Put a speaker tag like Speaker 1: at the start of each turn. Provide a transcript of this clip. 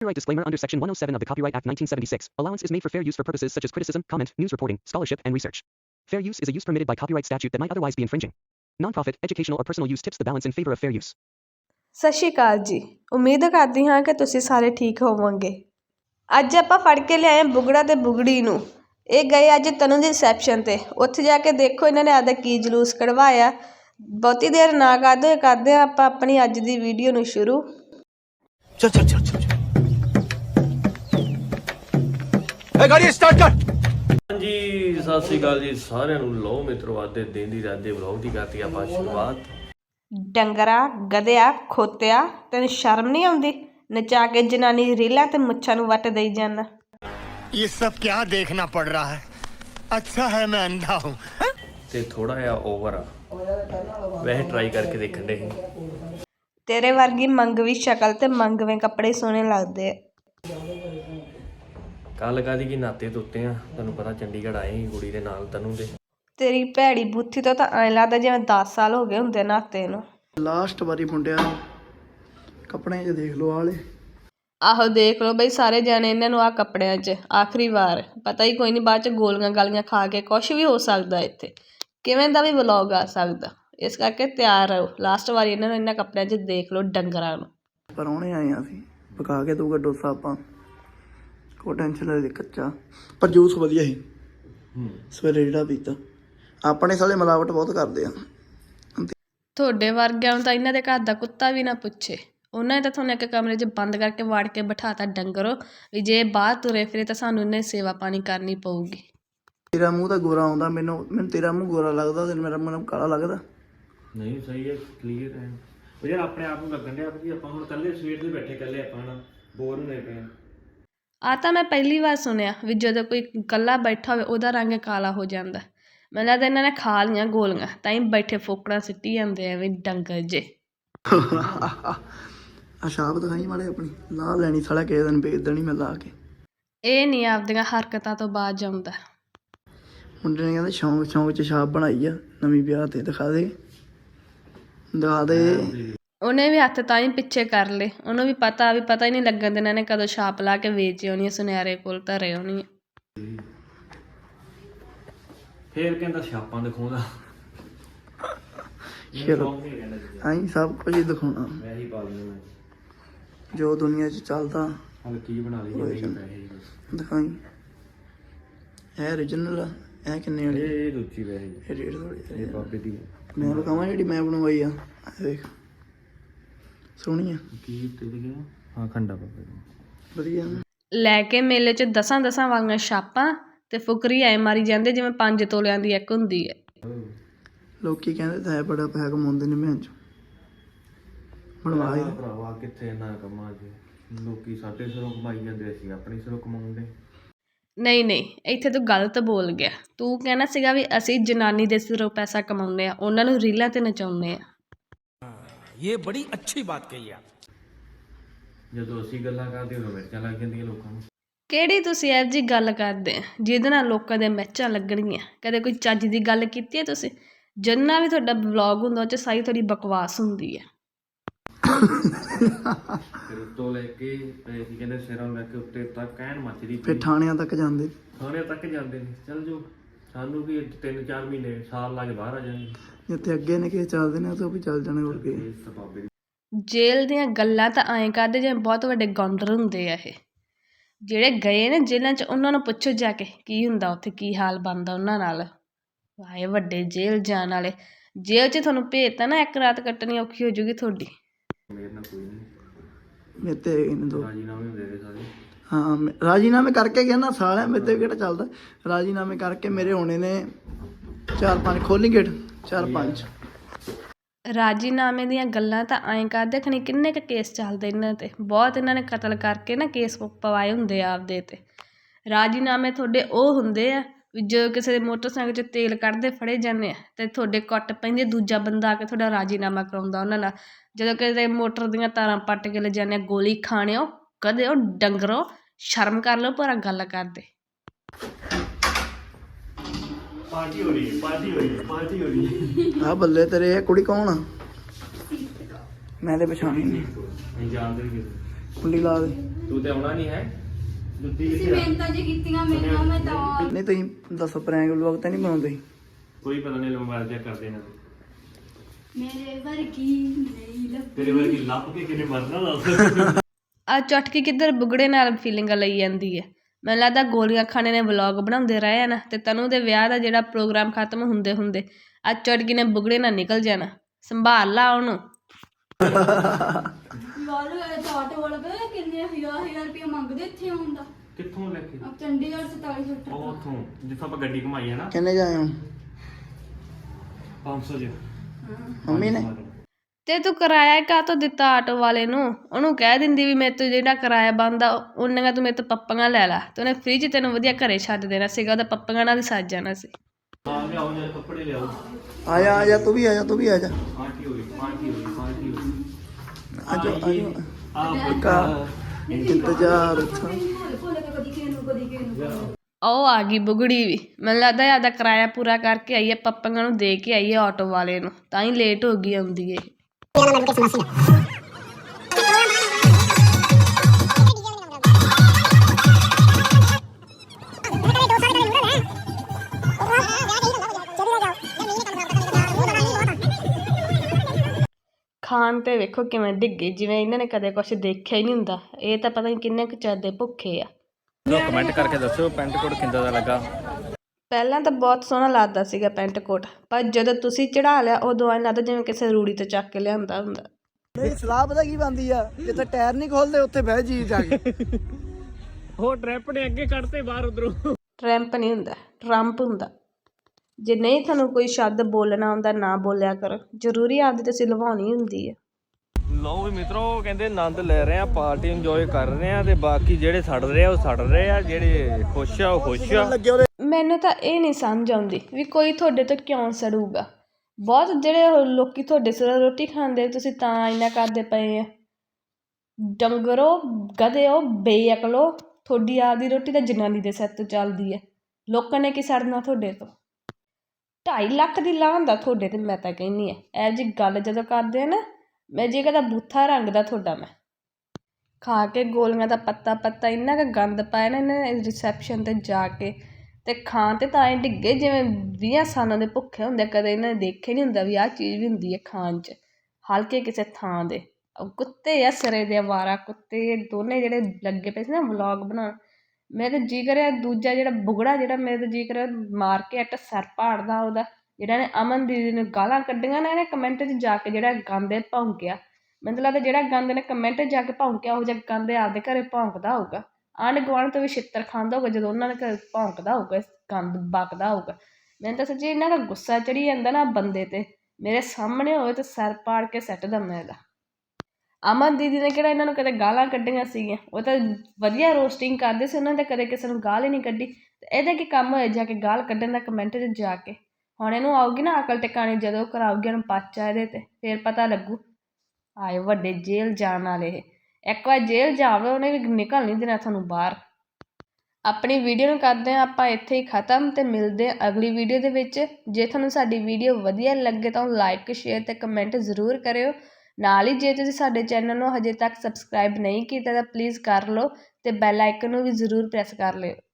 Speaker 1: Copyright disclaimer under Section 107 of the Copyright Act 1976. Allowance is made for fair use for purposes such as criticism, comment, news reporting, scholarship, and research. Fair use is a use permitted by copyright statute that might otherwise be infringing. Non-profit, educational, or personal use tips the balance in favor of fair use.
Speaker 2: ਸਤਿ ਸ਼੍ਰੀ ਅਕਾਲ ਜੀ। ਉਮੀਦ ਕਰਦੀ ਹਾਂ ਕਿ ਤੁਸੀਂ ਸਾਰੇ ਠੀਕ ਹੋਵੋਗੇ। ਅੱਜ ਆਪਾਂ ਫੜ ਕੇ ਲਿਆਏ ਬੁਗੜਾ ਤੇ ਬੁਗੜੀ ਨੂੰ। ਇਹ ਗਏ ਅੱਜ ਤਨੂ ਦੇ ਰਿਸੈਪਸ਼ਨ 'ਤੇ। ਉੱਥੇ ਜਾ ਕੇ ਦੇਖੋ ਇਹਨਾਂ ਨੇ ਆਪਦਾ ਕੀ ਜਲੂਸ ਕਢਵਾਇਆ। ਬਹੁਤੀ ਦੇਰ ਨਾ ਕਰਦੇ ਹਾਂ ਆਪਾਂ ਆਪਣੀ ਅੱਜ ਦੀ ਵੀਡੀਓ ਨੂੰ ਸ਼ੁਰੂ।
Speaker 3: ਗਾੜੀ ਸਟਾਰਟ ਕਰ।
Speaker 4: ਹਾਂਜੀ ਸਤਿ ਸ਼੍ਰੀ ਅਕਾਲ ਜੀ ਸਾਰਿਆਂ ਨੂੰ। ਲਓ ਮਿੱਤਰੋ, ਅੱਜ ਦੇ ਦਿਨ ਦੀ ਰਾਤ ਦੇ ਵਲੌਗ ਦੀ ਕਰਤੀ ਆਪਾਂ ਸ਼ੁਰੂਆਤ।
Speaker 2: ਡੰਗਰਾ ਗਧਿਆ ਖੋਤਿਆ, ਤੈਨੂੰ ਸ਼ਰਮ ਨਹੀਂ ਆਉਂਦੀ? ਨਚਾ ਕੇ ਜਨਾਨੀ ਰੀਲਾਂ ਤੇ ਮੁੱਛਾਂ ਨੂੰ ਵੱਟ ਦੇਈ ਜਾਣਾ।
Speaker 3: ये सब क्या देखना पड़ रहा है? अच्छा है मैं अंधा हूँ।
Speaker 4: ਤੇ ਥੋੜਾ ਜਿਹਾ ਓਵਰ ਆ, ਵੈਸੇ ਟਰਾਈ ਕਰਕੇ ਦੇਖਣ ਦੇ।
Speaker 2: ਤੇਰੇ ਵਰਗੀ ਮੰਗਵੀ ਸ਼ਕਲ ਤੇ ਮੰਗਵੇਂ ਕੱਪੜੇ ਸੋਹਣੇ ਲੱਗਦੇ ਆ।
Speaker 4: ਕੱਲ ਕਾਦੀ ਕੀ ਨਾਤੇ ਧੋਤੇ ਆ, ਤੁਹਾਨੂੰ ਪਤਾ ਚੰਡੀਗੜ੍ਹ ਆਏ ਸੀ ਕੁੜੀ ਦੇ ਨਾਲ ਤਨੂ ਦੇ।
Speaker 2: ਤੇਰੀ ਭੈੜੀ ਬੁੱਥੀ ਤੋਂ ਤਾਂ ਐਂ ਲੱਗਦਾ ਜਿਵੇਂ 10 ਸਾਲ ਹੋ ਗਏ ਹੁੰਦੇ ਨਾਤੇ ਨੂੰ।
Speaker 5: ਲਾਸਟ ਵਾਰੀ ਮੁੰਡਿਆਂ ਨੂੰ ਕੱਪੜਿਆਂ 'ਚ ਦੇਖ ਲਓ ਆਲੇ।
Speaker 2: ਆਹੋ ਦੇਖ ਲਓ ਬਈ ਸਾਰੇ ਜਾਣੇ ਇਹਨਾਂ ਨੂੰ ਆਹ ਕੱਪੜਿਆਂ 'ਚ ਆਖਰੀ ਵਾਰ। ਪਤਾ ਹੀ ਕੋਈ ਨਹੀਂ, ਬਾਅਦ 'ਚ ਗੋਲੀਆਂ ਗਾਲੀਆਂ ਖਾ ਕੇ ਕੁਛ ਵੀ ਹੋ ਸਕਦਾ। ਇੱਥੇ ਕਿਵੇਂ ਦਾ ਵੀ ਵਲੌਗ ਆ ਸਕਦਾ, ਇਸ ਕਰਕੇ ਤਿਆਰ ਰਹੋ। ਲਾਸਟ ਵਾਰੀ ਇਹਨਾਂ ਨੂੰ ਇਹਨਾਂ ਕੱਪੜਿਆਂ 'ਚ ਦੇਖ ਲਓ ਡੰਗਰਾਂ ਨੂੰ।
Speaker 5: ਪਰਾਹੁਣੇ ਆਏ ਆ ਅਸੀਂ, ਪਕਾ ਕੇ ਦੂਗਾ ਡੋਸਾ ਆਪਾਂ। ਕੋਈ ਟੈਨਸ਼ਨ ਲੈ ਕੱਚਾ, ਪਰ ਜੂਸ ਵਧੀਆ ਸੀ ਸਵੇਰੇ ਜਿਹੜਾ ਪੀਤਾ। ਆਪਣੇ ਸਾਲੇ ਮਿਲਾਵਟ ਬਹੁਤ ਕਰਦੇ ਆ।
Speaker 2: ਤੁਹਾਡੇ ਵਰਗਿਆਂ ਨੂੰ ਤਾਂ ਇਹਨਾਂ ਦੇ ਘਰ ਦਾ ਕੁੱਤਾ ਵੀ ਨਾ ਪੁੱਛੇ। ਉਹਨਾਂ ਨੇ ਤਾਂ ਤੁਹਾਨੂੰ ਇੱਕ ਕਮਰੇ 'ਚ ਬੰਦ ਕਰਕੇ ਵਾੜ ਕੇ ਬਿਠਾਤਾ ਡੰਗਰੋ, ਵੀ ਜੇ ਬਾਹਰ ਤੁਰੇ ਫਿਰੇ ਤਾਂ ਸਾਨੂੰ ਇਹਨੇ ਸੇਵਾ ਪਾਣੀ ਕਰਨੀ ਪਊਗੀ।
Speaker 5: ਤੇਰਾ ਮੂੰਹ ਤਾਂ ਗੋਰਾ ਆਉਂਦਾ, ਮੈਨੂੰ ਤੇਰਾ ਮੂੰਹ ਗੋਰਾ ਲੱਗਦਾ ਤੇ ਮੇਰਾ ਮੂੰਹ ਕਾਲਾ ਲੱਗਦਾ।
Speaker 4: ਨਹੀਂ ਸਹੀ ਹੈ, ਕਲੀਅਰ ਹੈ। ਉਹ ਯਾਰ ਆਪਣੇ ਆਪ ਨੂੰ ਲੱਗਣ ਡਿਆ ਵੀ ਆਪਾਂ ਹੁਣ ਇਕੱਲੇ ਸਵੇਰ ਦੇ ਬੈਠੇ ਇਕੱਲੇ ਆਪਾਂ ਨਾ ਬੋਰ ਹੁੰਦੇ ਪਏ।
Speaker 2: ਆਹ ਤਾਂ ਮੈਂ ਪਹਿਲੀ ਵਾਰ ਸੁਣਿਆ ਵੀ ਜਦੋਂ ਕੋਈ ਇਕੱਲਾ ਬੈਠਾ ਹੋਵੇ ਉਹਦਾ ਰੰਗ ਕਾਲਾ ਹੋ ਜਾਂਦਾ। ਮੈਨੂੰ ਲੱਗਦਾ ਇਹਨਾਂ ਨੇ ਖਾ ਲਈਆਂ ਗੋਲੀਆਂ ਤਾਂ ਹੀ ਬੈਠੇ ਫੋਕੜਾਂ ਸਿੱਟੀ ਜਾਂਦੇ ਐਵੇਂ ਡੰਗਰ ਜੇ।
Speaker 5: ਆ ਛਾਪ ਦਿਖਾਈ ਮਾੜੇ ਆਪਣੀ, ਲਾ ਲੈਣੀ ਸਾਲਾ ਕਿਸੇ ਦਿਨ ਵੇਚ ਦੇਣੀ ਮੈਂ ਲਾ ਕੇ।
Speaker 2: ਇਹ ਨਹੀਂ ਆਪਦੀਆਂ ਹਰਕਤਾਂ ਤੋਂ ਬਾਅਦ ਆਉਂਦਾ।
Speaker 5: ਮੁੰਡੇ ਨੇ ਕਹਿੰਦੇ ਸ਼ੌਂਕ 'ਚ ਛਾਪ ਬਣਾਈ ਆ ਨਵੀਂ ਵਿਆਹ 'ਤੇ। ਦਿਖਾ ਦੇ।
Speaker 2: ਉਹਨੇ ਵੀ ਹੱਥ ਤਾਂ ਹੀ ਪਿੱਛੇ ਕਰ ਲਏ। ਉਹਨੂੰ ਵੀ ਪਤਾ ਹੀ ਨਹੀਂ ਲੱਗਣ ਦੇਣਾ ਨੇ ਕਦੋਂ ਛਾਪ ਲਾ ਕੇ ਵੇਚ ਆਉਣੀ, ਸੁਨਿਆਰੇ ਕੋਲ ਧਰੇ ਆਉਣੀ।
Speaker 4: ਫੇਰ ਕਹਿੰਦਾ ਛਾਪਾਂ ਦਿਖਾਉਂਦਾ।
Speaker 5: ਆਈ ਸਭ ਕੁਝ ਹੀ ਦਿਖਾਉਣਾ
Speaker 4: ਮੈਂ ਹੀ ਪਾ ਦਿੰਦਾ
Speaker 5: ਜੋ ਦੁਨੀਆ 'ਚ ਚੱਲਦਾ।
Speaker 4: ਹਲਕੀ ਬਣਾ ਲਈ ਪੈਸੇ
Speaker 5: ਦਿਖਾਈ। ਇਹ ਓਰੀਜਨਲ ਆ। ਇਹ ਕਿੰਨੇ ਵਾਲੀ?
Speaker 4: ਇਹ ਦੂਜੀ ਵੈਸੇ
Speaker 5: ਇਹ ਰੇਟ ਥੋੜੀ।
Speaker 4: ਇਹ ਬਾਬੇ ਦੀ
Speaker 5: ਮੈਂ ਲਗਾਵਾਂ ਜਿਹੜੀ ਮੈਂ ਬਣਵਾਈ ਆ। ਦੇਖ ਸੋਹਣੀ ਆ।
Speaker 4: ਕੀ ਤੇ ਲਿਖਿਆ? ਹਾਂ ਖੰਡਾ ਬਾਬੇ ਦੀ
Speaker 5: ਵਧੀਆ।
Speaker 2: ਲੈ ਕੇ ਮੇਲੇ 'ਚ 10 ਵਾਲੀਆਂ ਛਾਪਾਂ ਤੇ ਫੁਕਰੀ ਐ ਮਾਰੀ ਜਾਂਦੇ ਜਿਵੇਂ 5 ਤੋਲਿਆਂ ਦੀ ਇੱਕ ਹੁੰਦੀ ਹੈ।
Speaker 5: ਲੋਕੀ ਕਹਿੰਦੇ ਤਾਂ ਹੈ ਬੜਾ ਪੈਸਾ ਕਮਾਉਂਦੇ ਨੇ ਮੈਂ 'ਚ ਬਣਵਾਏ।
Speaker 4: ਭਰਾਵਾ ਕਿੱਥੇ ਇਹਨਾਂ ਕੰਮਾਂ 'ਚ ਲੋਕੀ ਸਾਡੇ ਸਿਰੋਂ ਕਮਾਈ ਜਾਂਦੇ, ਅਸੀਂ ਆਪਣੇ ਸਿਰੋਂ ਕਮਾਉਂਦੇ।
Speaker 2: ਨਹੀਂ ਇੱਥੇ ਤੂੰ ਗਲਤ ਬੋਲ ਗਿਆ। ਤੂੰ ਕਹਿਣਾ ਸੀਗਾ ਵੀ ਅਸੀਂ ਜਨਾਨੀ ਦੇ ਸਿਰੋਂ ਪੈਸਾ ਕਮਾਉਂਦੇ ਆ, ਉਹਨਾਂ ਨੂੰ ਰੀਲਾਂ ਤੇ ਨਚਾਉਂਦੇ ਆ।
Speaker 6: ਇਹ ਬੜੀ ਅੱਛੀ ਬਾਤ ਕਹੀ ਆ।
Speaker 4: ਜਦੋਂ ਅਸੀਂ ਗੱਲਾਂ ਕਰਦੇ ਉਦੋਂ ਮਿਰਚਾਂ ਲੱਗ ਜਾਂਦੀਆਂ ਲੋਕਾਂ ਨੂੰ।
Speaker 2: ਕਿਹੜੀ ਤੁਸੀਂ ਇਹੋ ਜਿਹੀ ਗੱਲ ਕਰਦੇ ਆ ਜਿਹਦੇ ਨਾਲ ਲੋਕਾਂ ਦੇ ਮਿਰਚਾਂ ਲੱਗਣਗੀਆਂ? ਕਦੇ ਕੋਈ ਚੱਜ ਦੀ ਗੱਲ ਕੀਤੀ ਹੈ ਤੁਸੀਂ? ਜਿੰਨਾ ਵੀ ਤੁਹਾਡਾ ਵਲੌਗ ਹੁੰਦਾ ਉਹ 'ਚ ਸਾਰੀ ਤੁਹਾਡੀ ਬਕਵਾਸ ਹੁੰਦੀ ਹੈ।
Speaker 4: ਫਿਰ ਉੱਤੋਂ ਲੈ ਕੇ ਕੀ ਕਹਿੰਦੇ ਸਿਰਾਂ ਲੈ ਕੇ ਉੱਤੇ ਤੱਕ ਕਹਿਣ ਮੱਚਦੀ।
Speaker 5: ਫਿਰ ਥਾਣਿਆਂ ਤੱਕ ਜਾਂਦੇ।
Speaker 4: ਥਾਣੇ ਤੱਕ ਜਾਂਦੇ ਨੇ। ਚੱਲ ਜੋ ਸਾਨੂੰ ਵੀ 3-4 ਮਹੀਨੇ ਸਾਲ ਲਾ ਕੇ ਬਾਹਰ ਆ ਜਾਣਗੇ।
Speaker 5: ਜਿੱਥੇ ਅੱਗੇ ਨੇ ਕਿਸੇ ਚੱਲਦੇ ਨੇ ਉਹ ਵੀ ਚੱਲ ਜਾਣੇ ਹੋਰ ਕੇ।
Speaker 2: ਜੇਲ੍ਹ ਦੀਆਂ ਗੱਲਾਂ ਤਾਂ ਐਂ ਕਰਦੇ ਜਿਵੇਂ ਬਹੁਤ ਵੱਡੇ ਗੌਂਡਰ ਹੁੰਦੇ ਆ। ਇਹ ਜਿਹੜੇ ਗਏ ਨੇ ਜੇਲ੍ਹਾਂ 'ਚ ਉਹਨਾਂ ਨੂੰ ਪੁੱਛੋ ਜਾ ਕੇ ਕੀ ਹੁੰਦਾ ਉੱਥੇ, ਕੀ ਹਾਲ ਬਣਦਾ ਉਹਨਾਂ ਨਾਲ। ਵਾਏ ਵੱਡੇ ਜੇਲ੍ਹ ਜਾਣ ਵਾਲੇ। ਜੇਲ੍ਹ 'ਚ ਤੁਹਾਨੂੰ ਭੇਜਤਾ ਨਾ, ਇੱਕ ਰਾਤ ਕੱਟਣੀ ਔਖੀ ਹੋ ਜੂਗੀ ਤੁਹਾਡੀ।
Speaker 4: ਮੇਰੇ ਨਾਲ ਕੋਈ ਨਹੀਂ।
Speaker 5: ਮੇਰੇ ਤੇ ਇਹਨੇ ਦੋ
Speaker 4: ਰਾਜੀਨਾਮੇ ਹੁੰਦੇ ਨੇ ਸਾਰੇ।
Speaker 5: ਹਾਂ ਰਾਜੀਨਾਮੇ ਕਰਕੇ ਗਿਆ ਨਾ ਸਾਲਿਆ। ਮੇਰੇ ਤੇ ਕਿਹੜਾ ਚੱਲਦਾ। ਰਾਜੀਨਾਮੇ ਕਰਕੇ ਮੇਰੇ ਹੋਣੇ ਨੇ 4-5। ਖੋਲੀ ਗੇਟ 4-5।
Speaker 2: ਰਾਜੀਨਾਮੇ ਦੀਆਂ ਗੱਲਾਂ ਤਾਂ ਐਂ ਕਰਦੇ ਖਣੀ ਕਿੰਨੇ ਕੁ ਕੇਸ ਚੱਲਦੇ ਇਹਨਾਂ 'ਤੇ। ਬਹੁਤ ਇਹਨਾਂ ਨੇ ਕਤਲ ਕਰਕੇ ਨਾ ਕੇਸ ਪਵਾਏ ਹੁੰਦੇ ਆ ਆਪਦੇ 'ਤੇ। ਰਾਜੀਨਾਮੇ ਤੁਹਾਡੇ ਉਹ ਹੁੰਦੇ ਆ ਵੀ ਜਦੋਂ ਕਿਸੇ ਦੇ ਮੋਟਰਸਾਈਕਲ 'ਚ ਤੇਲ ਕੱਢਦੇ ਫੜੇ ਜਾਂਦੇ ਆ ਅਤੇ ਤੁਹਾਡੇ ਕੁੱਟ ਪੈਂਦੀ, ਦੂਜਾ ਬੰਦਾ ਆ ਕੇ ਤੁਹਾਡਾ ਰਾਜੀਨਾਮਾ ਕਰਾਉਂਦਾ ਉਹਨਾਂ ਨਾਲ। ਜਦੋਂ ਕਿਸੇ ਮੋਟਰ ਦੀਆਂ ਤਾਰਾਂ ਪੱਟ ਕੇ ਲਿਜਾਂਦੇ ਗੋਲੀ ਖਾਣਿਓ ਕਦੇ ਉਹ ਡੰਗਰੋ ਸ਼ਰਮ ਕਰ ਲਓ ਭਰਾ ਗੱਲ ਕਰਦੇ।
Speaker 4: ਪਾਰਟੀ ਹੋ ਰਹੀ ਹੈ।
Speaker 5: ਆ ਬੱਲੇ ਤੇਰੇ। ਇਹ ਕੁੜੀ ਕੌਣ ਆ? ਮੈਂ ਤੇ ਪਛਾਣੀ ਨਹੀਂ।
Speaker 4: ਜਾਣਦੇ ਨਹੀਂ।
Speaker 5: ਕੁੰਡੀ ਲਾ ਦੇ।
Speaker 4: ਤੂੰ ਤੇ ਆਉਣਾ ਨਹੀਂ ਹੈ ਜੁੱਤੀ
Speaker 7: ਤੁਸੀਂ
Speaker 4: ਕਿੱਥੇ ਆ?
Speaker 7: ਮਿਹਨਤਾਂ ਜੇ ਕੀਤੀਆਂ ਮੈਨੂੰ ਮੈਂ ਤਾਂ
Speaker 5: ਨਹੀਂ ਤੁਸੀਂ ਦੱਸੋ ਪ੍ਰੈਂਕ ਵਲੌਗ ਤਾਂ ਨਹੀਂ ਬਣਾਉਂਦੇ?
Speaker 4: ਕੋਈ ਪਤਾ ਨਹੀਂ ਮੋਬਾਈਲ ਚੈੱਕ ਕਰਦੇ ਨਾ
Speaker 7: ਮੇਰੇ ਵਰਗੀ ਨਹੀਂ ਲੱਭ
Speaker 4: ਤੇਰੇ ਵਰਗੀ ਲੱਭ ਕੇ ਕਿਨੇ ਮਰਨਾ ਦੱਸ
Speaker 2: ਆ ਚਟਕੀ ਕਿੱਧਰ ਬੁਗੜੇ ਨਾਲ ਫੀਲਿੰਗਾਂ ਲਈ ਜਾਂਦੀ ਹੈ। ਮੈਨੂੰ ਲੱਗਦਾ ਗੋਲੀਆਂ ਖਾਣੇ ਨੇ ਵਲੌਗ ਬਣਾਉਂਦੇ ਰਹੇ ਆ ਨਾ ਤੇ ਤਨੂੰ ਦੇ ਵਿਆਹ ਦਾ ਜਿਹੜਾ ਪ੍ਰੋਗਰਾਮ ਖਤਮ ਹੁੰਦੇ ਹੁੰਦੇ ਆ ਚਟਕੀ ਨੇ ਬੁਗੜੇ ਨਾਲ ਨਿਕਲ ਜਾਣਾ। ਸੰਭਾਲ ਲਾ ਉਹਨੂੰ।
Speaker 7: ਯਾਰ ਚਾਟ ਵਾਲਾ ਪਤਾ ਕਿੰਨੇ ਹਜ਼ਾਰ ਰੁਪਏ ਮੰਗਦੇ ਇੱਥੇ ਆਉਣ ਦਾ।
Speaker 4: ਕਿੱਥੋਂ ਲੈ ਕੇ
Speaker 7: ਚੰਡੀਗੜ੍ਹ 4700 ਟਕਾ।
Speaker 4: ਉਹ ਉੱਥੋਂ ਜਿੱਥੋਂ ਆਪਾਂ ਗੱਡੀ ਘੁਮਾਈ ਆ ਨਾ
Speaker 5: ਕਿੰਨੇ ਜਾਏ ਹੋ?
Speaker 4: 500 ਜੇ
Speaker 5: ਮੰਮੀ ਨੇ?
Speaker 2: ਤੇ ਤੂੰ ਕਿਰਾਇਆ ਕਾਹਤੋਂ ਦਿੱਤਾ ਆਟੋ ਵਾਲੇ ਨੂੰ? ਉਹਨੂੰ ਕਹਿ ਦਿੰਦੀ ਵੀ ਮੇਰੇ ਤੋਂ ਜਿਹੜਾ ਕਿਰਾਇਆ ਬਣਦਾ ਉਹਨੀਆਂ ਤੂੰ ਮੇਰੇ ਤੋਂ ਪੱਪੀਆਂ ਲੈ ਲਾ ਤੇ ਉਹਨੇ ਫ੍ਰੀ 'ਚ ਤੈਨੂੰ ਵਧੀਆ ਘਰੇ ਛੱਡ ਦੇਣਾ ਸੀਗਾ। ਉਹਦਾ ਪੱਪੀਆਂ ਨਾਲ ਹੀ ਸੱਜ ਜਾਣਾ ਸੀ।
Speaker 4: ਹਾਂ ਲਿਆਓ ਯਾਰ ਕੱਪੜੇ ਲਿਆਓ
Speaker 5: ਆ ਜਾ ਤੂੰ ਵੀ ਆ ਜਾ
Speaker 4: ਪਾਰਟੀ ਹੋ ਗਈ
Speaker 5: ਆਜੋ
Speaker 4: ਆ
Speaker 5: ਕਾ ਇੰਤਜ਼ਾਰ
Speaker 2: ਉਹ ਆ ਗਈ ਬੁਗੜੀ ਵੀ। ਮੈਨੂੰ ਲੱਗਦਾ ਇਹਦਾ ਕਿਰਾਇਆ ਪੂਰਾ ਕਰਕੇ ਆਈ ਹੈ, ਪੱਪੀਆਂ ਨੂੰ ਦੇ ਕੇ ਆਈ ਹੈ ਆਟੋ ਵਾਲੇ ਨੂੰ, ਤਾਂ ਹੀ ਲੇਟ ਹੋ ਗਈ ਆਉਂਦੀ ਏ। ਖਾਣ ਤੇ ਵੇਖੋ ਕਿਵੇਂ ਡਿੱਗੇ ਜਿਵੇਂ ਇਹਨਾਂ ਨੇ ਕਦੇ ਕੁਛ ਦੇਖਿਆ ਹੀ ਨਹੀਂ ਹੁੰਦਾ। ਇਹ ਤਾਂ ਪਤਾ ਨਹੀਂ ਕਿੰਨੇ ਕੁ ਚਿਰ ਦੇ ਭੁੱਖੇ ਆ।
Speaker 4: ਕਮੈਂਟ ਕਰਕੇ ਦੱਸੋ ਪੈਂਟ ਕੋਟ ਕਿੰਦਾ ਦਾ ਲੱਗਾ।
Speaker 2: ਪਹਿਲਾਂ ਤਾਂ ਬਹੁਤ ਸੋਹਣਾ ਲੱਗਦਾ ਸੀਗਾ ਪੈਂਟ ਕੋਟ, ਪਰ ਜਦੋਂ ਤੁਸੀਂ ਚੜਾ ਲਿਆ ਉਦੋਂ ਐਂ ਲੱਗਦਾ ਜਿਵੇਂ ਕਿਸੇ ਰੂੜੀ ਤੋਂ ਚੱਕ ਕੇ ਲਿਆਂਦਾ ਹੁੰਦਾ।
Speaker 5: ਨਹੀਂ ਸਲਾਹ ਪਤਾ ਕੀ ਬਣਦੀ ਆ, ਜਿੱਥੇ ਟਾਇਰ ਨਹੀਂ ਖੋਲਦੇ ਉੱਥੇ ਬਹਿ ਜੀ ਜਾ ਕੇ।
Speaker 4: ਉਹ ਟ੍ਰੈਪ ਨੇ ਅੱਗੇ ਕੱਢਤੇ ਬਾਹਰ ਉਧਰੋਂ।
Speaker 2: ਟਰੈਂਪ ਨਹੀਂ ਹੁੰਦਾ, ਟਰੰਪ ਹੁੰਦਾ। ਜੇ ਨਹੀਂ ਤੁਹਾਨੂੰ ਕੋਈ ਸ਼ਬਦ ਬੋਲਣਾ ਆਉਂਦਾ ਨਾ ਬੋਲਿਆ ਕਰੋ, ਜ਼ਰੂਰੀ ਆਪਦੀ ਤੁਸੀਂ ਲਵਾਉਣੀ ਹੁੰਦੀ ਹੈ।
Speaker 4: ਲਓ ਵੀ ਮਿੱਤਰੋ ਕਹਿੰਦੇ ਆਨੰਦ ਲੈ ਰਹੇ ਆ, ਪਾਰਟੀ ਇੰਜੋਏ ਕਰ ਰਹੇ ਆ ਤੇ ਬਾਕੀ ਜਿਹੜੇ ਸੜ ਰਹੇ ਆ ਉਹ ਸੜ ਰਹੇ ਆ, ਜਿਹੜੇ ਖੁਸ਼ ਆ ਉਹ ਖੁਸ਼ ਆ।
Speaker 2: ਮੈਨੂੰ ਤਾਂ ਇਹ ਨਹੀਂ ਸਮਝ ਆਉਂਦੀ ਵੀ ਕੋਈ ਤੁਹਾਡੇ ਤੋਂ ਕਿਉਂ ਸੜੂਗਾ। ਬਹੁਤ ਜਿਹੜੇ ਲੋਕੀ ਤੁਹਾਡੇ ਸਿਰ ਰੋਟੀ ਖਾਂਦੇ ਤੁਸੀਂ ਤਾਂ ਇੰਨਾ ਕਰਦੇ ਪਏ ਆ। ਡੰਗਰੋ ਗਧਿਓ ਬੇਅਕਲੋ, ਤੁਹਾਡੀ ਆਪਦੀ ਰੋਟੀ ਤਾਂ ਜਨਾਨੀ ਦੇ ਸਿਰ ਤੋਂ ਚੱਲਦੀ ਹੈ। ਲੋਕਾਂ ਨੇ ਕੀ ਸੜਨਾ ਤੁਹਾਡੇ ਤੋਂ? 2.5 ਲੱਖ ਦੀ ਲਾਹਨ ਦਾ ਤੁਹਾਡੇ ਤੇ ਮੈਂ ਤਾਂ ਕਹਿੰਦੀ ਹਾਂ। ਇਹੋ ਜਿਹੀ ਗੱਲ ਜਦੋਂ ਕਰਦੇ ਆ ਨਾ, ਮੈਂ ਜੇ ਕਦਾ ਬੂਥਾ ਰੰਗ ਦਾ ਤੁਹਾਡਾ ਮੈਂ ਖਾ ਕੇ ਗੋਲੀਆਂ ਦਾ ਪੱਤਾ ਇੰਨਾ ਕੁ ਗੰਦ ਪਾਇਆ ਨਾ ਇਹਨਾਂ ਨੇ ਰਿਸੈਪਸ਼ਨ 'ਤੇ ਜਾ ਕੇ, ਤੇ ਖਾਣ ਤੇ ਤਾਂ ਐਂ ਡਿੱਗੇ ਜਿਵੇਂ 20 ਸਾਲਾਂ ਦੇ ਭੁੱਖੇ ਹੁੰਦੇ। ਕਦੇ ਇਹਨਾਂ ਨੇ ਦੇਖੇ ਨਹੀਂ ਹੁੰਦਾ ਵੀ ਆਹ ਚੀਜ਼ ਵੀ ਹੁੰਦੀ ਹੈ ਖਾਣ 'ਚ ਹਲਕੇ ਕਿਸੇ ਥਾਂ ਦੇ। ਕੁੱਤੇ ਆ ਸਿਰੇ ਦੇ ਅਵਾਰਾ ਕੁੱਤੇ ਦੋਨੇ ਜਿਹੜੇ ਲੱਗੇ ਪਏ ਸੀ ਨਾ ਵਲੌਗ ਬਣਾਉਣ। ਮੈਂ ਤਾਂ ਜੀ ਕਰਿਆ ਦੂਜਾ ਜਿਹੜਾ ਬੁਗੜਾ ਜਿਹੜਾ ਮੇਰੇ ਤਾਂ ਜੀ ਕਰਿਆ ਮਾਰ ਕੇ ਅੱਟ ਸਿਰ ਪਾੜਦਾ ਉਹਦਾ। ਜਿਹੜਾ ਨੇ ਅਮਨ ਦੀਦੀ ਨੂੰ ਗਾਲਾਂ ਕੱਢੀਆਂ ਨਾ ਇਹਨੇ ਕਮੈਂਟ 'ਚ ਜਾ ਕੇ, ਜਿਹੜਾ ਗੰਦ ਇਹ ਭੌਂਕਿਆ। ਮੈਨੂੰ ਲੱਗਦਾ ਜਿਹੜਾ ਗੰਦ ਨੇ ਕਮੈਂਟ 'ਚ ਜਾ ਕੇ ਭੌਂਕਿਆ ਉਹ ਜਿਹਾ ਗੰਦ ਆਪਦੇ ਘਰੇ ਭੌਂਕਦਾ ਹੋਊਗਾ। ਆਂਢ ਗੁਆਂਢ ਤੋਂ ਵੀ ਛਿੱਤਰ ਖਾਂਦਾ ਹੋਊਗਾ ਜਦੋਂ ਉਹਨਾਂ ਦੇ ਘਰ ਭੌਂਕਦਾ ਹੋਊਗਾ, ਗੰਦ ਬਕਦਾ ਹੋਊਗਾ। ਮੈਨੂੰ ਤਾਂ ਸੱਚੀ ਇਹਨਾਂ ਦਾ ਗੁੱਸਾ ਚੜੀ ਜਾਂਦਾ ਨਾ ਬੰਦੇ 'ਤੇ। ਮੇਰੇ ਸਾਹਮਣੇ ਹੋਵੇ ਤਾਂ ਸਿਰ ਪਾੜ ਕੇ ਸੱਟ ਦਮ ਇਹਦਾ। ਅਮਨ ਦੀਦੀ ਨੇ ਕਿਹੜਾ ਇਹਨਾਂ ਨੂੰ ਕਦੇ ਗਾਲਾਂ ਕੱਢੀਆਂ ਸੀਗੀਆਂ? ਉਹ ਤਾਂ ਵਧੀਆ ਰੋਸਟਿੰਗ ਕਰਦੇ ਸੀ, ਉਹਨਾਂ ਨੇ ਕਦੇ ਕਿਸੇ ਨੂੰ ਗਾਲ ਹੀ ਨਹੀਂ ਕੱਢੀ। ਤੇ ਇਹਦਾ ਕੀ ਕੰਮ ਹੋਇਆ ਜਾ ਕੇ ਗਾਲ ਕੱਢਣ ਦਾ ਕਮੈਂਟ 'ਚ ਜਾ ਕੇ? ਹੁਣ ਇਹਨੂੰ ਆਊਗੀ ਨਾ ਅਕਲ ਟਿਕਾਣੀ, ਜਦੋਂ ਕਰਾਊਗੀ ਇਹਨੂੰ ਪਾਚਾ ਇਹਦੇ 'ਤੇ ਫਿਰ ਪਤਾ ਲੱਗੂ। ਆਏ ਵੱਡੇ ਜੇਲ੍ਹ ਜਾਣ ਵਾਲੇ ਇਹ। ਇੱਕ ਵਾਰ ਜੇਲ੍ਹ ਜਾਵੇ ਉਹਨੇ ਵੀ ਨਿਕਲ ਨਹੀਂ ਦੇਣਾ ਤੁਹਾਨੂੰ ਬਾਹਰ। ਆਪਣੀ ਵੀਡੀਓ ਨੂੰ ਕਰਦੇ ਹਾਂ ਆਪਾਂ ਇੱਥੇ ਹੀ ਖ਼ਤਮ ਤੇ ਮਿਲਦੇ ਹਾਂ ਅਗਲੀ ਵੀਡੀਓ ਦੇ ਵਿੱਚ। ਜੇ ਤੁਹਾਨੂੰ ਸਾਡੀ ਵੀਡੀਓ ਵਧੀਆ ਲੱਗੇ ਤਾਂ ਲਾਈਕ ਸ਼ੇਅਰ ਤੇ ਕਮੈਂਟ ਜ਼ਰੂਰ ਕਰਿਓ। ਨਾਲ ਹੀ ਜੇ ਤੁਸੀਂ ਸਾਡੇ ਚੈਨਲ ਨੂੰ ਹਜੇ ਤੱਕ ਸਬਸਕ੍ਰਾਈਬ ਨਹੀਂ ਕੀਤਾ ਤਾਂ ਪਲੀਜ਼ ਕਰ ਲਓ ਤੇ ਬੈਲ ਆਈਕਨ ਨੂੰ ਵੀ ਜ਼ਰੂਰ ਪ੍ਰੈਸ ਕਰ ਲਿਓ।